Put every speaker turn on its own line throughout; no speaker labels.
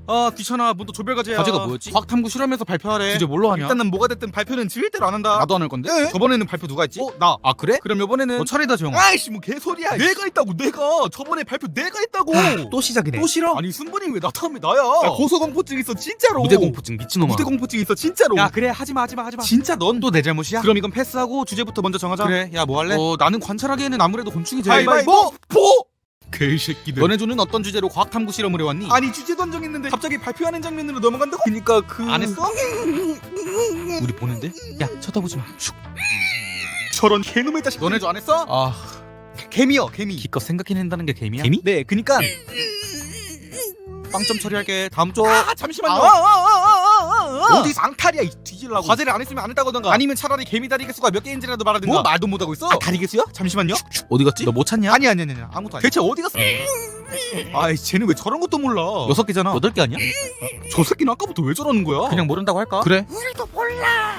아 귀찮아. 뭐 또 조별과제야.
과제가 뭐였지?
과학탐구 실험에서 발표하래.
주제 뭘로 하냐?
일단은 뭐가 됐든 발표는 절대로 안 한다.
나도 안 할 건데?
네? 저번에는 발표 누가 했지? 나.
아 그래?
그럼 요번에는
너 차례다 조용아.
아이씨 뭐 개소리야. 내가 했다고. 내가 저번에 발표 내가 했다고.
또 시작이네.
또 싫어? 아니 순번이 왜 나 다음에 나야? 나 고소공포증 있어 진짜로.
무대공포증 미친놈아.
무대공포증 있어 진짜로.
야 그래 하지마.
진짜 넌
또 내 잘못이야?
그럼 이건 패스하고 주제부터 먼저 정하자.
그래 야 뭐 할래?
나는 관찰하기에는 아무래도 곤충이 제일.
가위바위보!
개새끼들.
너네조는 어떤 주제로 과학탐구 실험을 해왔니?
아니 주제도 안 정했는데 갑자기 발표하는 장면으로 넘어간다고? 그니까
안 했어? 우리 보는데? 야 쳐다보지 마.
저런 개놈의 자식.
너네조 안 했어? 아
개미요 개미.
기껏 생각해낸다는 게 개미야?
개미? 네 그니까
빵점 처리할게. 다음 쪽.
잠시만요. 어디 쌍탈이야 이 뒤질라고. 과제를 안 했으면 안 했다고던가. 아니면 차라리 개미 다리 개수가 몇 개인지라도 말하든가.
뭐 말도 못하고 있어?
다리 개수야? 잠시만요.
어디 갔지? 너 못 찾냐?
아니 아무것도 아니야. 대체 어디 갔어? 아이 쟤는 왜 저런 것도 몰라.
6개잖아. 8개 아니야?
저 새끼는 아까부터 왜 저러는 거야?
그냥 모른다고 할까?
그래.
우리도 몰라.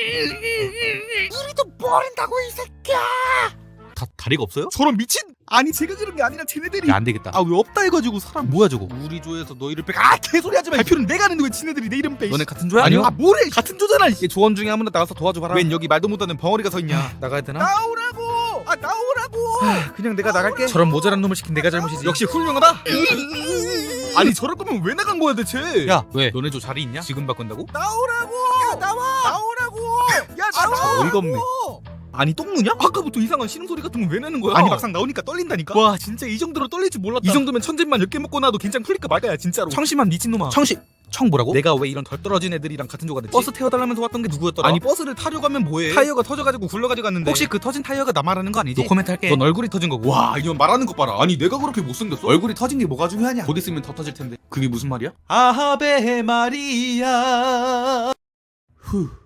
우리도 모른다고 이 새끼야.
다리가 없어요?
저런 미친. 아니 제가 그런 게 아니라 쟤네들이.
야 안되겠다.
아 왜 없다 해가지고 사람.
뭐야 저거?
우리 조에서 너희를 빼. 개소리 하지 마. 발표는 내가 하는데 왜 지네들이 내 이름 빼.
너네 같은 조야?
아니요. 뭐래 같은 조잖아.
얘 조원 중에 아무나 나가서 도와줘봐라.
웬 여기 말도 못하는 벙어리가 서 있냐.
나가야 되나?
나오라고. 나오라고. 그냥 내가 나갈게.
저런 모자란 놈을 시킨 내가 잘못이지.
역시 훌륭하다. 아니 저럴 거면 왜 나간 거야 대체.
야 왜? 너네 조 자리 있냐? 지금 바꾼다고?
나오라고. 야 나오라고. 야 나와.
어이가 없네.
아니 똥누냐? 아까부터 이상한 신음소리 같은 건 왜 내는 거야? 아니 막상 나오니까 떨린다니까? 와 진짜 이 정도로 떨릴 줄 몰랐다. 이 정도면 천진만 10개 먹고 나도 긴장 풀릴까 말까야 진짜로. 청심한 미친놈아.
청 뭐라고?
내가 왜 이런 덜 떨어진 애들이랑 같은 조가 됐지?
버스 태워달라면서 왔던 게 누구였더라?
아니 버스를 타려고 하면 뭐해? 타이어가 터져가지고 굴러가지고 갔는데
혹시 그 터진 타이어가 나 말하는 거 아니지?
너 코멘트 할게.
넌 얼굴이 터진 거고.
와 이건 말하는 것 봐라. 아니 내가 그렇게 못생겼어?
얼굴이 터진 게 뭐가 중요하냐?
곧 있으면 더 터질 텐데.
그게 무슨 말이야?
아하베 마리아. 후.